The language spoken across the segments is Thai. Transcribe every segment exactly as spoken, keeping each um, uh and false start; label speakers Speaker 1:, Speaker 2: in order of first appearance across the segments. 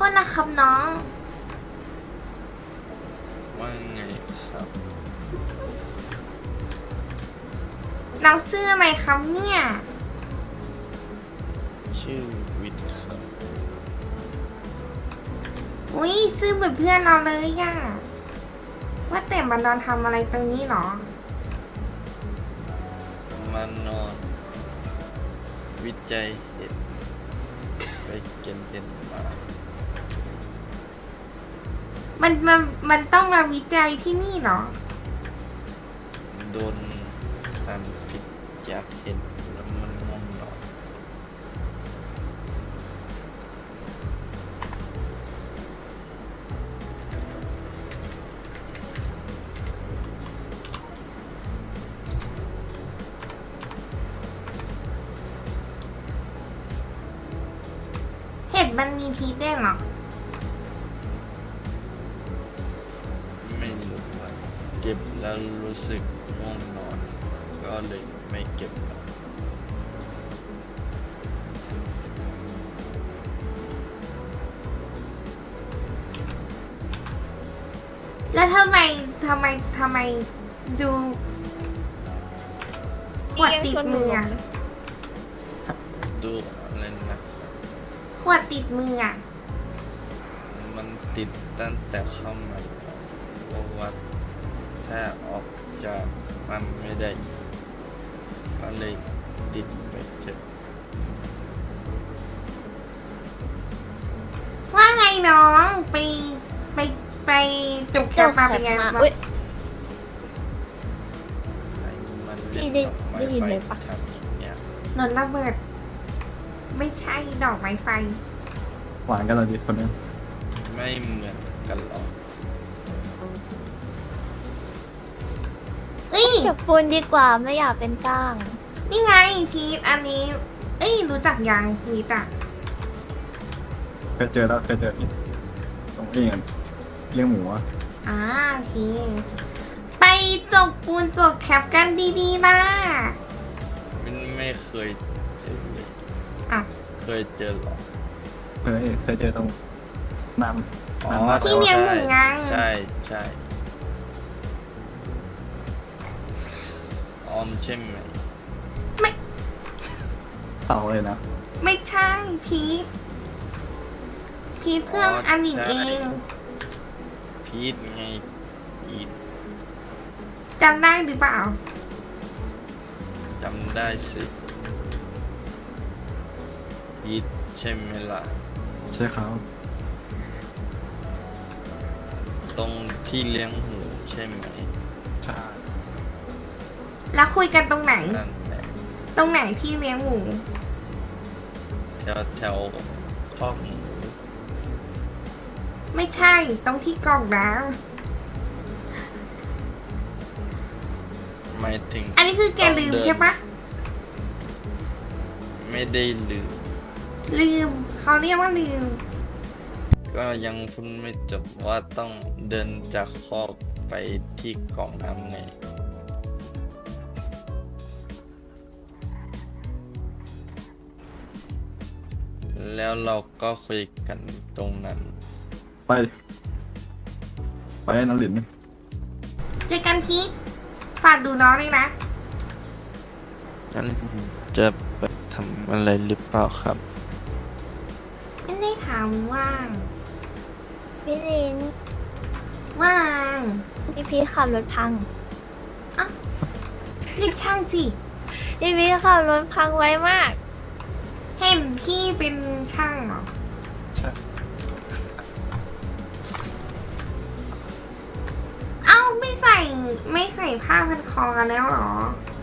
Speaker 1: ษนะครับน้อง
Speaker 2: ว่าไงครับ
Speaker 1: น้องชื่ออะไรครับเนี่ย
Speaker 2: ชื่อวิทย์ครับ
Speaker 1: อุ้ยชื่อเหมือนเพื่อนเราเลยอะว่าแต่มันนอนทำอะไรตรงนี้หรอ
Speaker 2: มานอน วิจัยเห็ดไปเก็นเห็ดมา
Speaker 1: มันมันมันต้องมาวิจัยที่นี่เหรอ
Speaker 2: โดนทำผิดจากเห็ดแล้วมันง่วงนอน
Speaker 1: เห็ดมันมีพิษด้วยเหรอ
Speaker 2: ไม่รู้ว่าเก็บแล้วรู้สึกง่วงนอน ก็เลยไม่เก็บแล้ว
Speaker 1: แล้วทำไมทำไมทำไมดูขวดติดมืออะ
Speaker 2: ดูอะไรนะครับ
Speaker 1: ขวดติดมืออะ
Speaker 2: มันติดตั้งแต่เข้ามาเพราะว่าถ้าออกจากมันไม่ได้ ก็เลยติดไปเจ็บ
Speaker 1: ว่าไงน้องไปไปไปจุกแกมาเป็นไง
Speaker 3: มา
Speaker 1: บ้าง
Speaker 3: อุ้ย
Speaker 2: ไอ้มันเล่
Speaker 3: พี่
Speaker 2: น
Speaker 3: ได้
Speaker 2: ดอกไม้
Speaker 3: ได้ยิน
Speaker 2: ไฟ
Speaker 3: เลยปะ
Speaker 2: ทำอย่างเงี้ย
Speaker 1: นนระเบิด ไม่ใช่ดอกไม้ไฟ
Speaker 4: หวานกันเลยดิคนนึง
Speaker 2: ไม่เหมือนกันหรอก
Speaker 1: เอ้ย
Speaker 3: เก็บปูนดีกว่าไม่อยากเป็นก้าง
Speaker 1: นี่ไงพีทอันนี้ เอ้ยรู้จักยังพีทอะ
Speaker 4: เคยเจอแล้วเคยเจอที่ตรงนี้กันเลี้ยงหมูอะ
Speaker 1: อ่าโอเค ไปจกปูนจกแคปกันดีๆนะ
Speaker 2: มันไม่เคยเจอเลย
Speaker 1: อ่ะ
Speaker 2: เคยเจอหรอก
Speaker 4: เคยเคยเจอตรงน้ำ
Speaker 2: อ๋อ
Speaker 4: น้ำมาก
Speaker 1: ที่เลี้ยงหมูไง
Speaker 2: ใช่ใช่ออมใช่ไหม
Speaker 4: เต่าเลยนะ
Speaker 1: ไม่ใช่พีทพีทเพื่อนอันหญิงเอง
Speaker 2: พีทไงพีท
Speaker 1: จำได้หรือเปล่า
Speaker 2: จำได้สิพีทใช่ไหมล่ะ
Speaker 4: ใช่ครับ
Speaker 2: ตรงที่เลี้ยงหมูใช่ไหม
Speaker 4: ใช่
Speaker 1: แล้วคุยกันตรงไหน
Speaker 2: นั่นแหละ
Speaker 1: ตรงไหนที่เลี้ยงหมู
Speaker 2: แถวแถวคอกหมู
Speaker 1: ไม่ใช่ตรงที่กล่องน้
Speaker 2: หมายถึง
Speaker 1: ำอันนี้คือแกลืมใช่ปะ
Speaker 2: ไม่ได้ลืม
Speaker 1: ลืมเขาเรียกว่าลืม
Speaker 2: ก็ยังพูดไม่จบว่าต้องเดินจากคอกไปที่กล่องน้ำไง แล้วเราก็คุยกันตรงนั้น
Speaker 4: ไป ไปน้ำหลิน
Speaker 1: เจอกันพีทฝากดูน้องด้วยนะ
Speaker 2: งั้นจะไปทำอะไรหรือเปล่าครับ
Speaker 1: ไม่ได้ถามว่าง
Speaker 3: พี่ลิน
Speaker 1: ว่าง
Speaker 3: พี่พีชขับรถพัง
Speaker 1: เรียกช่างสิ
Speaker 3: พี่พีชขับรถพังไวมาก
Speaker 1: เห็นพี่เป็นช่างเหรอ
Speaker 4: ใช่
Speaker 1: เอ้าไม่ใส่ไม่ใส่ผ้าพันคอกันแล้วเหรอ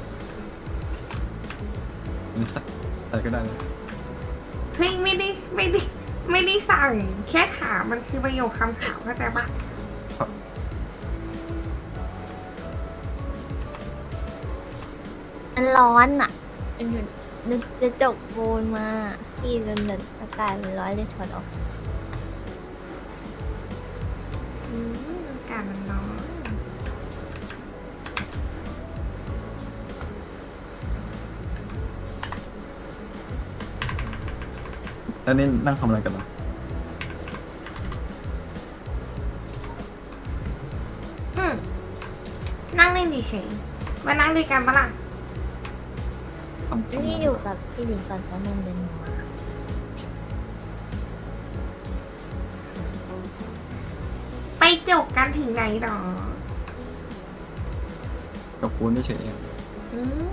Speaker 4: นี่ใส่ใส่ก็ได้เลย
Speaker 1: เฮ้ยไม่ได้ไม่ได้ไม่ได้สั่ง แค่ถามมันคือประโยคคำถามเข้าใจปะ
Speaker 4: ครับ
Speaker 3: มันร้อนอ่ะมันอยู่นึกจะจกปูนมา พี่จนแบบอากาศมันร้อนเลยถอดออก
Speaker 1: อืมอากาศมันร้อน
Speaker 4: แล้วนี่นั่งทำอะไรกันเหรอ
Speaker 1: นั่งเล่นเฉยๆมานั่งด้วยกันปะล่ะ
Speaker 4: ทำทำ
Speaker 3: นี่อยู่กับพี่หลิงก่อนแป๊บนึงเดี๋ยวหนูมา
Speaker 1: ไปจบกันถึงไหนหรอ
Speaker 4: กับปูนเฉยๆเอง
Speaker 1: อืม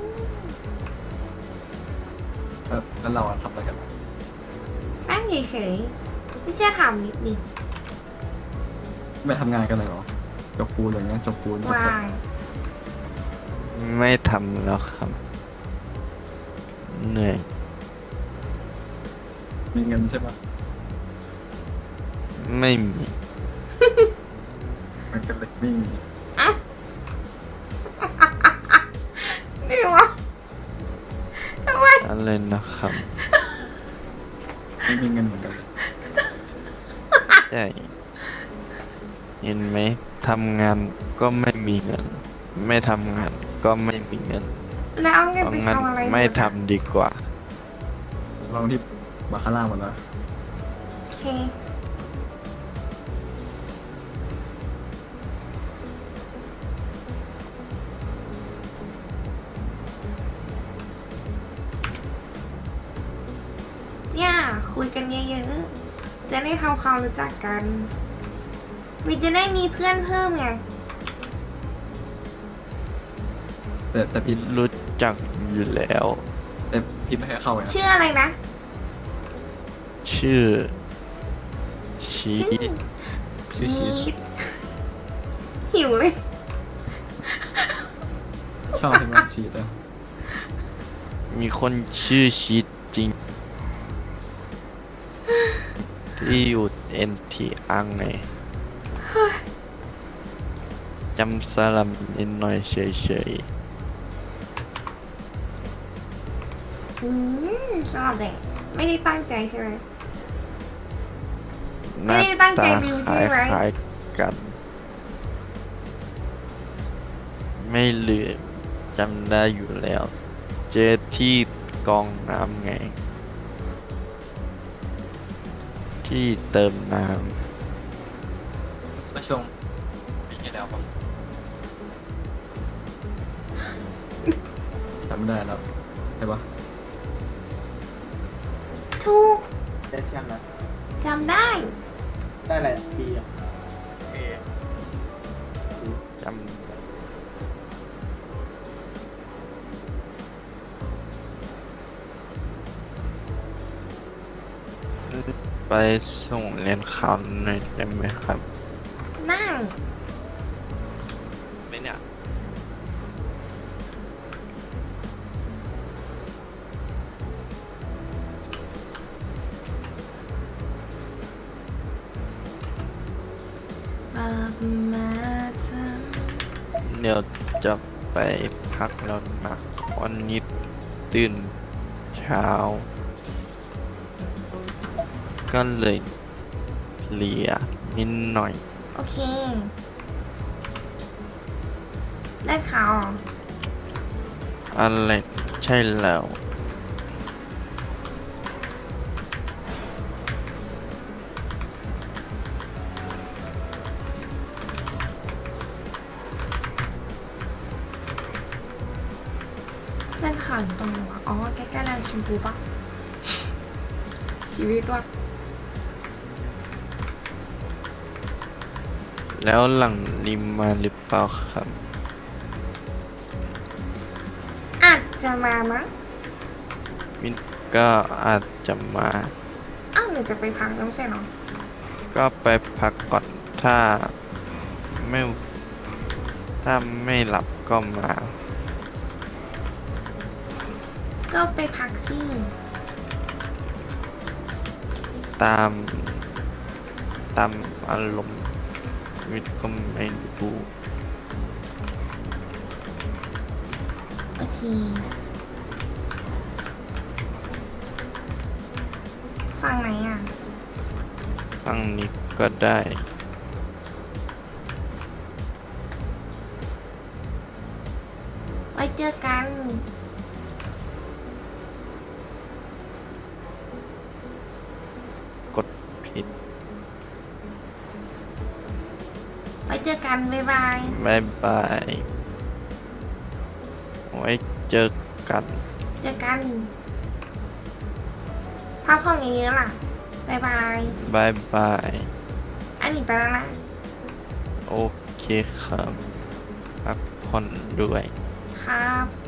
Speaker 4: แล้วแล้วเราอะทำอะไรกัน
Speaker 1: นั่งเฉยๆไม่เชื่อถามนิดดิ
Speaker 4: ไม่ทำงานกันเลยเหรอจบปูนอย่างเงี้ยจบปูนจบ
Speaker 1: วาง
Speaker 2: ไม่ทำแล้วครับ เหนื่อย
Speaker 4: มีเงินใช่ปะ
Speaker 2: ไม่มี
Speaker 4: มันก็เลยไม่มี
Speaker 1: นี่วะทำไม
Speaker 2: อะไรนะครับ
Speaker 4: ไม่มีเงินเหมือนกันเลย
Speaker 2: ใช่เห็นไหมทำงานก็ไม่มีเงิน ไม่ทำงานก็ไม่มีเงิน
Speaker 1: แล้วเอาเงิน
Speaker 2: เพราะ
Speaker 1: ไป
Speaker 2: งั้น
Speaker 1: ทำอะไร
Speaker 2: ไม่
Speaker 1: อยู่
Speaker 2: ทำดีกว่า
Speaker 4: ลองที่บาคาร่าหมดแล้ว
Speaker 1: โอเค เนี่ยคุยกันเยอะๆ จะได้ทำความรู้จักกันวิจะได้มีเพื่อนเพิ่มไง
Speaker 4: แต่แต่พี่
Speaker 2: รู้จักอยู่แล้ว
Speaker 4: แต่พี่ไม่ให้เข้าไงนะ
Speaker 1: ชื่ออะไรนะ
Speaker 2: ชื่อ ชี
Speaker 1: ชื่อ
Speaker 4: ชื่อชีส
Speaker 1: พีทหิวเลย
Speaker 4: ชอบใช่ไหมชีสอะ
Speaker 2: มีคนชื่อชีตจริง ที่อยู่เอ็นทีอังไงจำสลัมนิดหน่อยเฉย
Speaker 1: อืมชอบเลยไม่ได้ตั้งใจใช่ไหม
Speaker 2: ๆห
Speaker 1: ไม่
Speaker 2: น้า
Speaker 1: ได้ตั้งใจ
Speaker 2: ตา
Speaker 1: ลืม
Speaker 2: ค
Speaker 1: ใช่ไหม
Speaker 2: ล้ายๆกัน ไม่ลืมจำได้อยู่แล้ว เจอที่กองน้ำไง ที่เติมน้
Speaker 4: ไม่ช่วงปีที่แล้วปะจำไม่ได้แล้วใช่ปะ
Speaker 1: ถูก
Speaker 5: ได้แชมป์นะ
Speaker 1: จำได้
Speaker 5: ได้อะไรปีอ่ะ
Speaker 2: ำจำไปส่งเรียนคำหน่อยได้ไหมครับ
Speaker 1: นั่ง
Speaker 2: ไม่เนี่ย
Speaker 1: มามาเธอ
Speaker 2: เดี๋ยวจะไปพักแล้วนะวันนี้ตื่นเช้า ก็เลยเลียนิดหน่อย
Speaker 1: โอเค ได้ข่าวเหรอ
Speaker 2: อะไรใช่แล้ว
Speaker 1: ได้ข่าวอยู่ตรงไหนวะอ๋อ ใกล้ๆแลนด์ชมพูปะ ชีวิตว่ะ
Speaker 2: แล้วหลังริมมาหรือเปล่าครับ
Speaker 1: อาจจะมามั้ง
Speaker 2: มินก็อาจจะมา
Speaker 1: อ้าวหรือจะไปพักน้ำใช่เหรอ
Speaker 2: ก็ไปพักก่อนถ้าไม่ถ้าไม่หลับก็มา
Speaker 1: ก็ไปพักสิ
Speaker 2: ตาม ตามอารมณ์วิทย์ก็ไม่รู้
Speaker 1: โอเคฟังไหนอ่ะ
Speaker 2: ฟังนี้ก็ได้
Speaker 1: ไว้เจอกัน
Speaker 2: กดผิด
Speaker 1: ไว้เจอกัน บ๊ายบาย
Speaker 2: บายบายไว้เจอกัน
Speaker 1: เจอกันพักผ่อนเยอะๆล่ะบายบาย
Speaker 2: บายบาย
Speaker 1: อันนี้ไปแล้วนะ
Speaker 2: โอเคครับพักผ่อนด้วย
Speaker 1: ครับ